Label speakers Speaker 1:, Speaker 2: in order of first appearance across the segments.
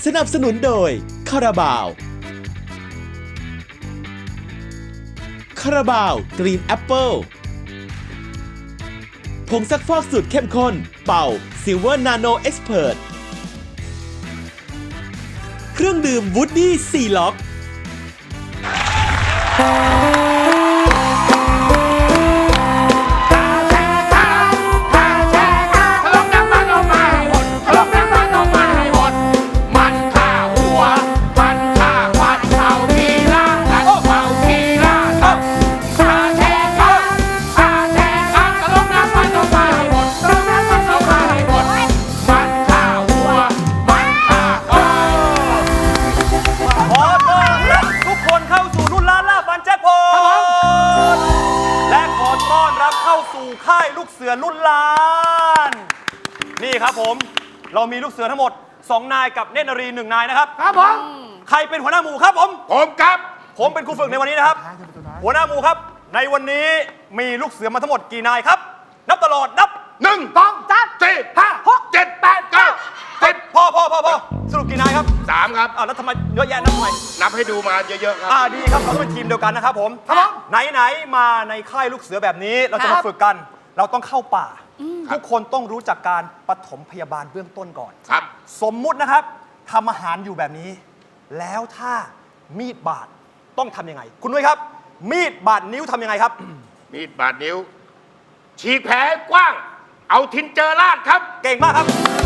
Speaker 1: สนับสนุนโดยคาราบาวกรีนแอปเปิลผงซักฟอกสูตรเข้มข้นเป่าซิลเวอร์นาโนเอ็กซ์เพรสเครื่องดื่มวูดดี้ซีล็อก
Speaker 2: ค่ายลูกเสือรุ่นล้านนี่ครับผมเรามีลูกเสือทั้งหมด2นายกับเนตรนารี1นายนะครับ
Speaker 3: ครับผม
Speaker 2: ใครเป็นหัวหน้าหมู่ครับผม
Speaker 3: ครับ
Speaker 2: ผมเป็นครูฝึกในวันนี้นะครับหัวหน้าหมู่ครับในวันนี้มีลูกเสือมาทั้งหมดกี่นายครับนับตลอดนับ
Speaker 3: 1 2 3 4 5 6 7 8 9 10
Speaker 2: พอสรุปกี่นายครับ
Speaker 3: 3ครับ
Speaker 2: แล้วทำไมเยอะแยะนับทำไม
Speaker 3: นับให้ดูมาเยอะๆครับ
Speaker 2: ดีครับเราเป็นทีมเดียวกันนะครับผมไหนมาในค่ายลูกเสือแบบนี้เราจะมาฝึกกันเราต้องเข้าป่าทุกคนต้องรู้จักการปฐมพยาบาลเบื้องต้นก่อน
Speaker 3: ครับ
Speaker 2: สมมุตินะครับทำอาหารอยู่แบบนี้แล้วถ้ามีดบาดต้องทำยังไงคุณนุ้ยครับมีดบาดนิ้วทำยังไงครับ
Speaker 3: มีดบาดนิ้วฉีกแผลกว้างเอาทินเจอราดครับ
Speaker 2: เก่งมากครับ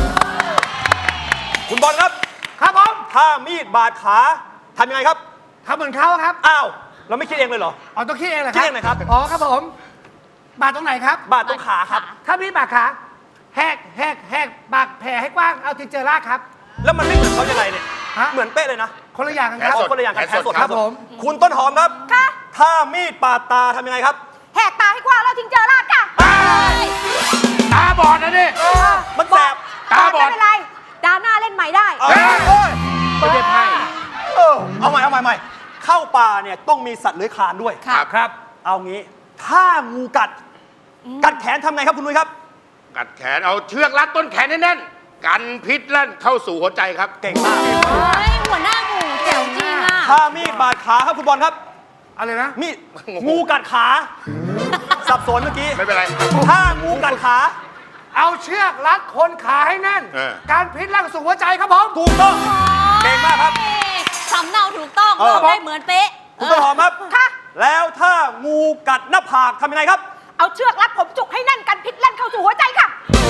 Speaker 2: คุณบอลครับ
Speaker 3: ครับผม
Speaker 2: ถ้ามีดบาดขาทำยังไงครับ
Speaker 3: ทำเหมือนเขาครับ
Speaker 2: อ้าวเราไม่คิดเองเลยเหรอ
Speaker 3: ต้องคิดเองเหรอ
Speaker 2: คิดเองไหมครับ
Speaker 3: ครับผมบาดตรงไหนครับ
Speaker 2: บาดตรงขาครับ
Speaker 3: ถ้ามีบาดขาแหกบาดแผลให้กว้างเอาทินเจอราดครับ
Speaker 2: แล้วมันไม่เหมือนเขายังไงเนี่ยเหมือนเป๊ะเลยนะ
Speaker 3: คนละอย่างกันครับ
Speaker 2: คนละอย่างกันแผลสด
Speaker 3: ครับผม
Speaker 2: คุณต้นหอมครับถ้ามีดปาดตาทำยังไงครับ
Speaker 4: แหกตาให้กว้างแล้วทิ้งเจอราดค่ะ
Speaker 3: ตาบอดนะนี่
Speaker 2: มันแสบ
Speaker 4: ตาบอดไม่เป็นไรดาหน้าเล่นใหม่ได้
Speaker 3: ไม่ได้ไพ่
Speaker 2: เอาใหม่เข้าป่าเนี่ยต้องมีสัตว์เลื้อยคลานด้วย
Speaker 3: ครับ
Speaker 2: เอางี้ถ้างูกัดแขนทำไงครับคุณนุ้ยครับ
Speaker 3: กัดแขนเอาเชือกรัดต้นแขนแน่นๆกันพิษลั่นเข้าสู่หัวใจครับ
Speaker 2: เก่งมาก
Speaker 4: หัวหน้าหมู่แจ๋วจริงอ่ะ
Speaker 2: ถ้ามีดบาดขาครับคุณบอลครับ
Speaker 3: อะไรนะ
Speaker 2: มีดงูกัดขาสับสนเมื่อกี้
Speaker 3: ไม่เป็นไร
Speaker 2: ถ้างูกัดขา
Speaker 3: เอาเชือกรัดคนขาให้แน่นการพิษลั่นสู่หัวใจครับผม
Speaker 2: ถูกต้องเก่งมากครับ
Speaker 4: สำเนาถูกต้องเราได้เหมือนเป๊ะ
Speaker 2: คุณต้นหอมครับแล้วถ้างูกัดหน้าผากทำยังไงครับ
Speaker 4: เอาเชือกรัดผมจุกให้แน่นกันพิษลั่นเข้าสู่หัวใจค่ะ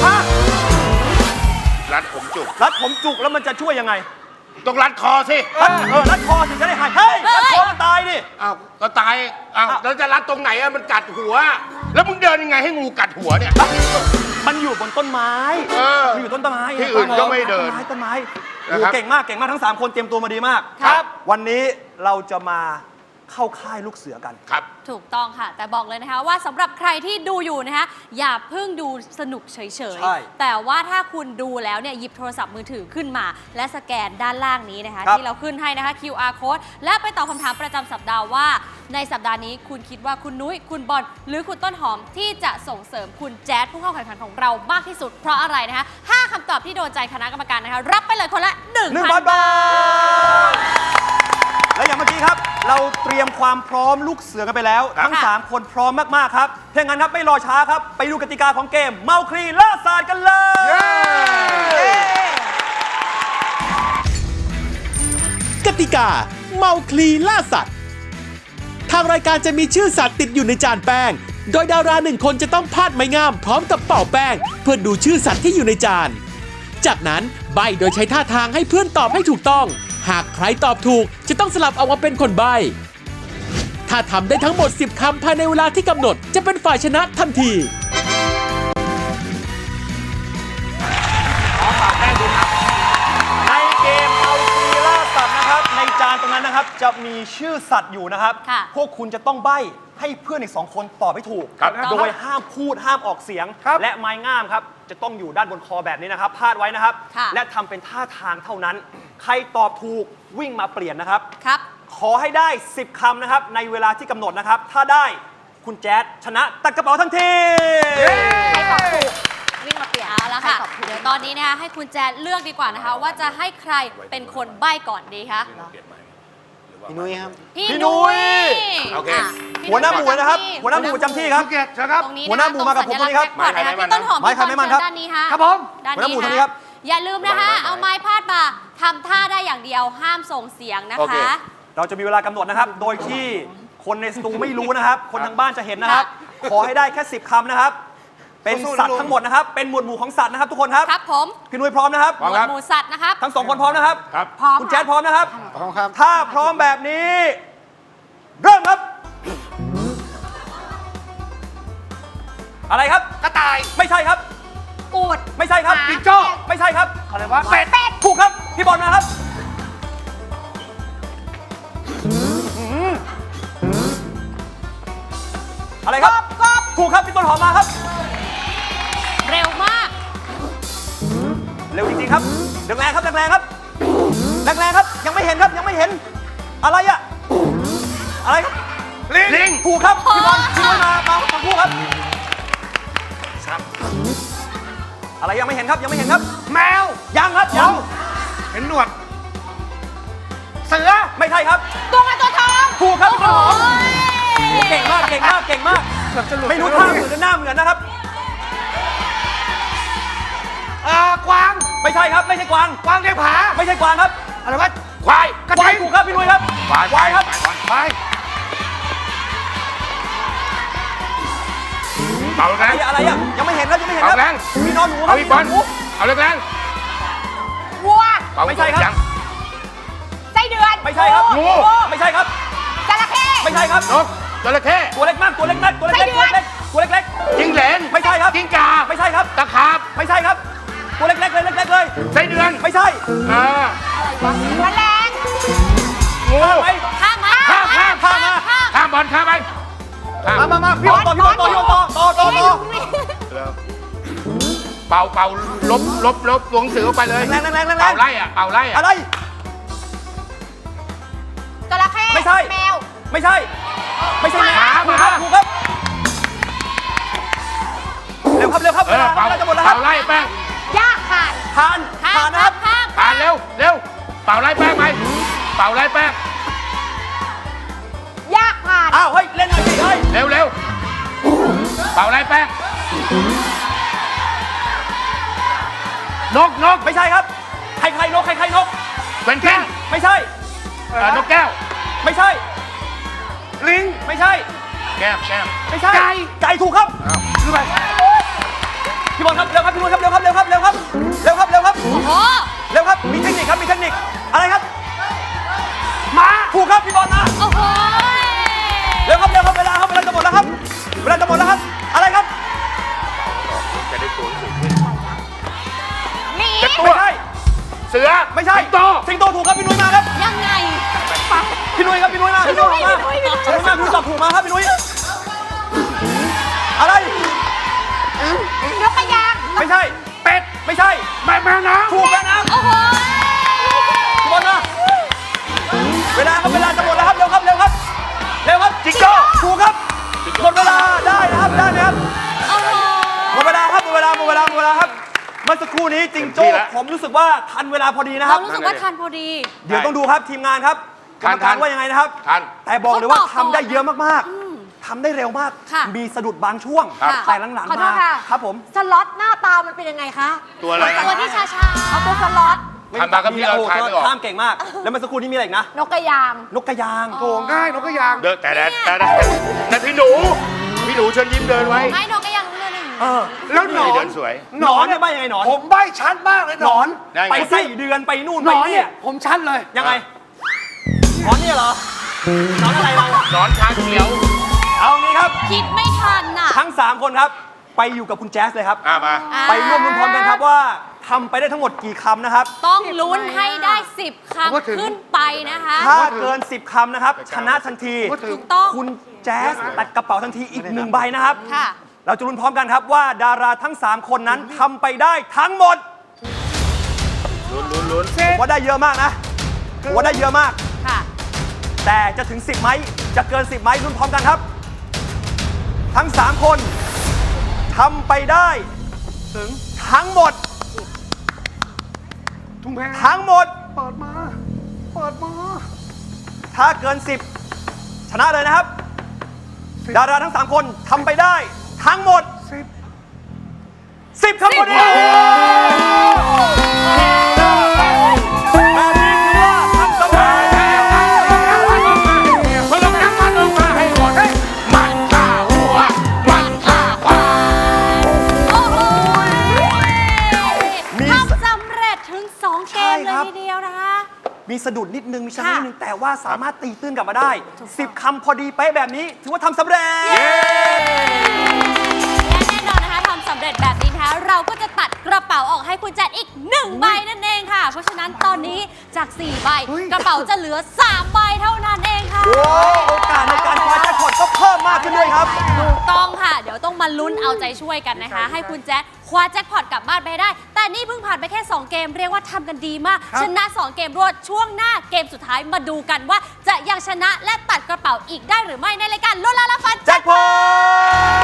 Speaker 3: รัดผมจุก
Speaker 2: แล้วมันจะช่วยยังไง
Speaker 3: ต้องรัดคอสิ
Speaker 2: รัดคอถึงจะได้หายเฮ้ยรัดคอตายดิ
Speaker 3: ก็ตายแล้วจะรัดตรงไหนมันกัดหัวแล้วมึงเดินยังไงให้งูกัดหัวเนี่ย
Speaker 2: มันอยู่บนต้นไม้มันอยู่ต้นไม้
Speaker 3: ที่อื่นก็ไม่เดิน
Speaker 2: ต้นไม้เก่งมากทั้ง3คนเตรียมตัวมาดีมาก
Speaker 3: ครับ
Speaker 2: วันนี้เราจะมาเข้าค่ายลูกเสือกัน
Speaker 3: ครับ
Speaker 4: ถูกต้องค่ะแต่บอกเลยนะคะว่าสำหรับใครที่ดูอยู่นะคะอย่าเพิ่งดูสนุกเฉยๆแต่ว่าถ้าคุณดูแล้วเนี่ยหยิบโทรศัพท์มือถือขึ้นมาและสแกนด้านล่างนี้นะคะที่เราขึ้นให้นะคะ QR code และไปตอบคำถามประจำสัปดาห์ว่าในสัปดาห์นี้คุณคิดว่าคุณนุ้ยคุณบอลหรือคุณต้นหอมที่จะส่งเสริมคุณแจ๊ดผู้เข้าแข่งขันของเรามากที่สุดเพราะอะไรนะคะ5คำตอบที่โดนใจคณะกรรมการนะคะรับไปเลยคนละ 1,000 บาท
Speaker 2: และอย่างเมื่อกี้ครับเราเตรียมความพร้อมลูกเสือกันไปแล้วทั้ง3คนพร้อมมากๆครับเพราะงั้นครับไม่รอช้าครับไปดูกติกาของเกมเมาคลีล่าสัตว์กันเลย
Speaker 1: กติกาเมาคลีล่าสัตว์ทางรายการจะมีชื่อสัตว์ติดอยู่ในจานแป้งโดยดารา1 คนจะต้องพาดไม้งามพร้อมกับเป่าแป้งเพื่อดูชื่อสัตว์ที่อยู่ในจานจากนั้นใบ้โดยใช้ท่าทางให้เพื่อนตอบให้ถูกต้องหากใครตอบถูกจะต้องสลับเอามาเป็นคนใบ้ถ้าทำได้ทั้งหมด10 คำภายในเวลาที่กำหนดจะเป็นฝ่ายชนะทันที
Speaker 2: ในเกมเมาคลีล่าสัตว์นะครับในจานตรงนั้นนะครับจะมีชื่อสัตว์อยู่นะครับพวกคุณจะต้องใบ้ให้เพื่อนอีก2 คนตอบให้ถูกโดยห้ามพูดห้ามออกเสียงและไม้งามครับจะต้องอยู่ด้านบนคอแบบนี้นะครับพาดไว้นะครับและทำเป็นท่าทางเท่านั้นใครตอบถูกวิ่งมาเปลี่ยนนะครับขอให้ได้10 คำนะครับในเวลาที่กำหนดนะครับถ้าได้คุณแจ๊ดชนะตัดกระเป๋าทันที
Speaker 4: ใครตอบถูกวิ่งมาเปลี่ยนเอาละค่ะเดี๋ยวตอนอนนี้นะคะให้คุณแจนเลือกดีกว่านะคะ ว่าจะให้ใครเป็นคนใบ้ก่อนดีคะ
Speaker 5: พี่นุ้ยครับ
Speaker 4: พี่
Speaker 2: พี่นุ้
Speaker 4: นุ้
Speaker 2: ย
Speaker 4: ย
Speaker 3: โอเค
Speaker 4: ะพี่
Speaker 2: หัวหน้าหมู่นะครับ
Speaker 4: พี่
Speaker 2: หัวหน้าหมู่ประจำที่ครับ
Speaker 3: ภูเก็ตนะครับ
Speaker 4: ตรงนี้
Speaker 2: หัวหน้าหมู่มากับผมตรงนี้ครับ
Speaker 4: ตงสัญลักษณ์แจ็คพอตนะคะพี่ต้นหอม
Speaker 2: ไม้
Speaker 4: พี่
Speaker 2: ใครไม่มั่นครับ
Speaker 4: ด้านนี้ฮะ
Speaker 2: ครับผม
Speaker 4: ด้าน
Speaker 2: หัวหน้าหมู่
Speaker 4: นี้
Speaker 2: ตรงนี้ครับ
Speaker 4: อย่าลืมนะคะเอาไม้พาดมาทำท่าได้อย่างเดียวห้ามส่งเสียงนะ
Speaker 3: โอเค
Speaker 4: คะ
Speaker 2: เราจะมีเวลากำหนดนะครับ โดยที่คนในสตูไม่รู้นะครับ คนทางบ้านจะเห็นนะครับ ขอให้ได้แค่ 10 คำนะครับ เป็นสัตว์ทั้งหมดนะครับ เป็นหมวดหมู่ของสัตว์นะครับทุกคนครับ
Speaker 4: ครับผม
Speaker 2: พี่นุ้ยพร้อมนะครับ
Speaker 3: พร้อมครับ
Speaker 4: หมูสัตว์นะครับ
Speaker 2: ทั้งสองคนพร้อมนะครับ
Speaker 3: ครับ
Speaker 4: พร้อม
Speaker 2: คุณแจ๊ดพร้อมนะครับ
Speaker 5: พร้อมครับ
Speaker 2: ถ้าพร้อมแบบนี้ เริ่มครับ อะไรครับ
Speaker 3: กระต่าย
Speaker 2: ไม่ใช่ครับ
Speaker 4: อูด
Speaker 2: ไม่ใช่ครับ
Speaker 4: หมา
Speaker 2: จิงโจ้ไม่ใช่ครับ
Speaker 3: อะไรวะเป็ด
Speaker 2: ถูกครับ พี่บอลนะครับอะไรครับถูกครับ พี่ต้นหอมมาครับ
Speaker 4: เร็วมาก
Speaker 2: เร็วจริงๆครับแรงๆครับแรงๆครับแรงๆครับ ยังไม่เห็นครับ ยังไม่เห็น อะไรอะอะไรครับ
Speaker 3: ลิง
Speaker 2: ถูกครับพี่บอลพี่บอลมาทั้งคู่ครับ อะไรยังไม่เห็นครับ ยังไม่เห็นครับ
Speaker 3: แมว
Speaker 2: ยังครับยัง
Speaker 3: เห็นหนวด เสือ
Speaker 2: ไม่ใช่ครับ
Speaker 4: ตัวเงินตัวทอง
Speaker 2: ถูกครับพี่ต้นหอม
Speaker 4: โอ้ย
Speaker 2: เก่งมากเก่งมากเก่งมากไม่รู้ท่าเหมือนหรือหน้าเหมือนนะครับ
Speaker 3: กวาง
Speaker 2: ไม่ใช่ครับ ไม่ใช่กวาง
Speaker 3: กวางในผา
Speaker 2: ไม่ใช่กวางครับ
Speaker 3: อะไรวะ ควาย กระ
Speaker 2: ควา
Speaker 3: ทิ
Speaker 2: ย
Speaker 3: ง
Speaker 2: ถูกครับพี่นุ้ยครับ
Speaker 3: ควาย
Speaker 2: ครับ
Speaker 3: ควายเป่าแรง
Speaker 2: อะไรอะยังไม่เห็นครับยังไม่เห็นครั
Speaker 3: เอาแรง
Speaker 2: มีนอนหนูครั
Speaker 3: เอา
Speaker 2: บ
Speaker 3: อีกบอล
Speaker 2: หนู
Speaker 3: เอาแรง
Speaker 4: วัว
Speaker 3: ๆเป่า
Speaker 2: ไม่ใช่ครับ
Speaker 3: ยัง
Speaker 4: ไส้เดือน
Speaker 2: ไม่ใช่ครับ
Speaker 3: งู
Speaker 2: ไม่ใช่ครับ
Speaker 4: จระเข้
Speaker 2: ไม่ใช่ครับ
Speaker 3: นกจระเข้
Speaker 2: ตัวเล็กมากตัวเล็กมากตัวเล็ก
Speaker 4: ไส้
Speaker 2: ๆ
Speaker 4: เดื
Speaker 2: ตัว
Speaker 4: อน
Speaker 2: เล็กๆตัวเล็ก
Speaker 3: จิ้งเหลน
Speaker 2: ไม่ใช่ครับ
Speaker 3: จิ้งกา
Speaker 2: ๆไม่ใช่ครับ
Speaker 3: ตะขาบ
Speaker 2: ไม่ใช่ครับ ตัวเล็กๆเลยเล็กๆเลย
Speaker 3: ไส้เดือน
Speaker 2: ไม่ใช่
Speaker 3: อ่า
Speaker 4: แมลง
Speaker 3: งู
Speaker 2: ไป
Speaker 4: ข้ามมา
Speaker 3: ข้ามข้าม
Speaker 2: ข้ามมา
Speaker 3: ข้ามบอลข้ามไปข้าม
Speaker 2: มาพี่บอลต่อพี่บอลต่อพี่บอลต่อ
Speaker 3: เป่าลบตัวหนังสือออกไปเลย
Speaker 2: แรงๆแรงๆแรงๆ
Speaker 3: เป่าไล่อะเป่าไล่อะ
Speaker 2: อะไร
Speaker 4: จระเข้
Speaker 2: ไม่ใช่
Speaker 4: แมว
Speaker 2: ไม่ใช่ ไม่ใช่
Speaker 3: หมา
Speaker 2: ถูกครับถูกครับเร็วครับเร็วครับ
Speaker 3: เอ
Speaker 2: เว
Speaker 3: อ
Speaker 2: ลา
Speaker 3: เป่า
Speaker 2: จะหมดแล้วค
Speaker 3: เป่า
Speaker 2: รับ
Speaker 3: ไล่แป้ง
Speaker 4: ยากขาด
Speaker 2: ผ่านผ่านนะครับ
Speaker 4: ข้าม
Speaker 3: ผ่านเร็วเป่าไล่แป้งไปเป่าไล่แป้ง
Speaker 4: ยากผ่าน
Speaker 2: อ้าวเฮ้ยเล่นหน่อยสิเฮ้ย
Speaker 3: เร็วเป่าไล่แป้งนก
Speaker 2: ไม่ใช่ครับใครนกใครนก
Speaker 3: เวนกวิน
Speaker 2: ไม่ใช่
Speaker 3: นกแก้ว
Speaker 2: ไม่ใช่
Speaker 3: ลิง
Speaker 2: ไม่ใช่
Speaker 3: แก้ม
Speaker 2: ไม่ใช่ ไก่ถูกครับ
Speaker 3: ขึ้นไป
Speaker 2: พี่บอลครับเร็วครับพี่บอลครับเร็วครับเร็วครับเร็วครับเร็วครับเร็วครับ
Speaker 4: โอ้โห
Speaker 2: เร็วครับมีเทคนิคครับมีเทคนิคอะไรครับ
Speaker 3: ม้า
Speaker 2: ถูกครับพี่บอลนะ
Speaker 4: โอ้โห
Speaker 2: เร็วครับเร็วครับเวลาจะหมดแล้วครับเวลาจะหมดแล้วครับอะไรครับ
Speaker 3: จะได้ตัวหนังสือขึ้น
Speaker 4: หมี
Speaker 3: จะตัว
Speaker 2: ไม่ใช่
Speaker 3: เสือ
Speaker 2: ไม่ใช่
Speaker 3: สิงโต
Speaker 2: สิงโตถูกครับพี่นุ้ยมาครับ
Speaker 4: ยังไง
Speaker 2: พี่นุ้ยครับพี่นุ้ยมาพี่นุ้ยมาพี่นุ้ยมาพี่นุ้ยตอบถูกมาครับพี่นุ้ยอะไร
Speaker 4: นกกระยาง
Speaker 2: ไม่ใช่
Speaker 3: เป็ด
Speaker 2: ไม่ใช่
Speaker 3: แมวน้ำ
Speaker 2: ถูกแล้วนะ
Speaker 4: โอ้โห
Speaker 2: พี่บอลมาเวลาครับเวลาจะหมดแล้วครับเร็วครับเร็วครับเร็วครับจิงโจ้ถูกครับหมดเวลาได้นะครับได้ไหมครับ
Speaker 4: โอ้โห
Speaker 2: หมดเวลาครับหมดเวลาครับเมื่อสักครู่นี้จิงโจ้ผมรู้สึกว่าทันเวลาพอดีนะค
Speaker 4: เรา
Speaker 2: รับ
Speaker 4: รู้สึกว่าทันพอดี
Speaker 2: เดี๋ยวต้องดูครับทีมงานครับกรรมการว่ายังไงนะครับ
Speaker 3: ทัน
Speaker 2: แต่บอกเลยว่า
Speaker 4: เขาบอก
Speaker 2: ทำได้เยอะมาก
Speaker 4: อืม
Speaker 2: ๆทำได้เร็วมาก
Speaker 4: ค่ะ
Speaker 2: มีสะดุดบางช่วง
Speaker 4: ครับ
Speaker 2: แต่หลัง
Speaker 6: ขอ
Speaker 2: ๆ
Speaker 6: โท
Speaker 2: มา
Speaker 6: ษค่ะ
Speaker 2: ครับผม
Speaker 6: สล็อตหน้าตามันเป็นยังไงคะ
Speaker 3: ตัวอะไร
Speaker 4: ตัวที่ชา
Speaker 6: เอาตัวสล็อต
Speaker 3: ทำมากับพี่เราทายไม่ออก
Speaker 2: ข้ามเก่งมาก แล้วเมื่อสักครู่นี้มีอะไรอีกนะ
Speaker 6: นกกระยาง
Speaker 2: นกกระยาง
Speaker 3: โถง่ายนกกระยางเดินแต่พี่หนูเชิญยิ้มเดินไว้
Speaker 4: ๆไม่นกกระยางเรื่องหนึ่ง
Speaker 2: เออ
Speaker 3: แล้วหนอนเดินสวย
Speaker 2: หนอนเนี่ยใบยังไงหนอน
Speaker 3: ผมใบ้ชัดมากเลย
Speaker 2: หนอน
Speaker 3: ได้ไง
Speaker 2: ไปไส้เดือนไปนู่น
Speaker 3: หน
Speaker 2: ไป
Speaker 3: อน
Speaker 2: นี่
Speaker 3: เนี่ยผมชัดเลย
Speaker 2: ยังไงหนอนเนี่ยเหรอหนอนอะไรเรา
Speaker 3: หนอนชาเขียว
Speaker 2: เอางี้ครับ
Speaker 4: คิดไม่ทันน่ะ
Speaker 2: ทั้ง 3 คนครับ ไปอยู่กับคุณแจ๊สเลยครับ
Speaker 3: มา
Speaker 4: อ่า
Speaker 2: ไปร่วมลุ้นพร้อมกันครับว่าทำไปได้ทั้งหมดกี่คำนะครับ
Speaker 4: ต้องลุ้นให้ได้ 10 คำขึ้นไปนะคะ
Speaker 2: ถ้าเกิน 10 คำนะครับ ชนะทันที
Speaker 4: ถูกต้อง
Speaker 2: คุณแจ๊สตัดกระเป๋าทันทีอีก1ใบนะครับ
Speaker 4: ค่ะ
Speaker 2: เราจะลุ้นพร้อมกันครับว่าดาราทั้ง 3 คนนั้นทำไปได้ทั้งหมด
Speaker 3: ลุ้น
Speaker 2: ผมว่าได้เยอะมากนะผมว่าได้เยอะมาก
Speaker 4: ค่ะ
Speaker 2: แต่จะถึง 10ไหมจะเกิน 10ไหมลุ้นพร้อมกันครับ ทั้ง 3 คนทำไปได้ถึงทั้งหมด
Speaker 3: ำแพง
Speaker 2: ทั้งหมด
Speaker 3: เปิดมา เปิดมา
Speaker 2: ถ้าเกิน 10 ชนะเลยนะครับ ดาราทั้ง 3 คนทำไปได้ทั้งหมด 10 ครับพอดีแบบนี้ถือว่าทำสำเร็จ
Speaker 3: มันลงน้ำมันลงมาให้หมดมันฆ่าหัว มันฆ่าควาย
Speaker 4: โอ้โห
Speaker 2: มี
Speaker 4: ทำสำเร็จถึง 2 เกม
Speaker 2: ใช่
Speaker 4: เล
Speaker 2: ครั
Speaker 4: ย
Speaker 2: บ
Speaker 4: ทีเดียวนะคะ
Speaker 2: มีสะดุดนิดนึง มีชนะนิดนึง แต่ว่าสามารถตีตื้นกลับมาได้ 10 คำพอดีเป๊ะแบบนี้ ถือว่าทำสำเร็จ
Speaker 4: และแน่นอนนะคะทำสำเร็จแบบนี้นะคะเราก็จะตัดกระเป๋าออกให้คุณแจ็คอีก 1 ใบนั่นเองค่ะ เพราะฉะนั้นตอนนี้จาก 4 ใบ กระเป๋าจะเหลือ 3 ใบเท่านั้นเองค่ะ
Speaker 2: โอ้โอกาสในการคว้าแจ็คพอตก็เพิ่มมากขึ้นด้วยครับ
Speaker 4: ถูกต้องค่ะ เดี๋ยวต้องมาลุ้นเอาใจช่วยกันนะคะ ให้คุณแจ็คคว้าแจ็คพอตกลับบ้านไปให้ได้ แต่นี่เพิ่งผ่านไปแค่ 2 เกม เรียกว่าทำกันดีมาก ชนะ 2 เกมรวดช่วงหน้าเกมสุดท้ายมาดูกันว่า จะยังชนะและตัดกระเป๋าอีกได้หรือไม่ในรายการลุ้นล้านละฟัน
Speaker 2: แจ็คพอต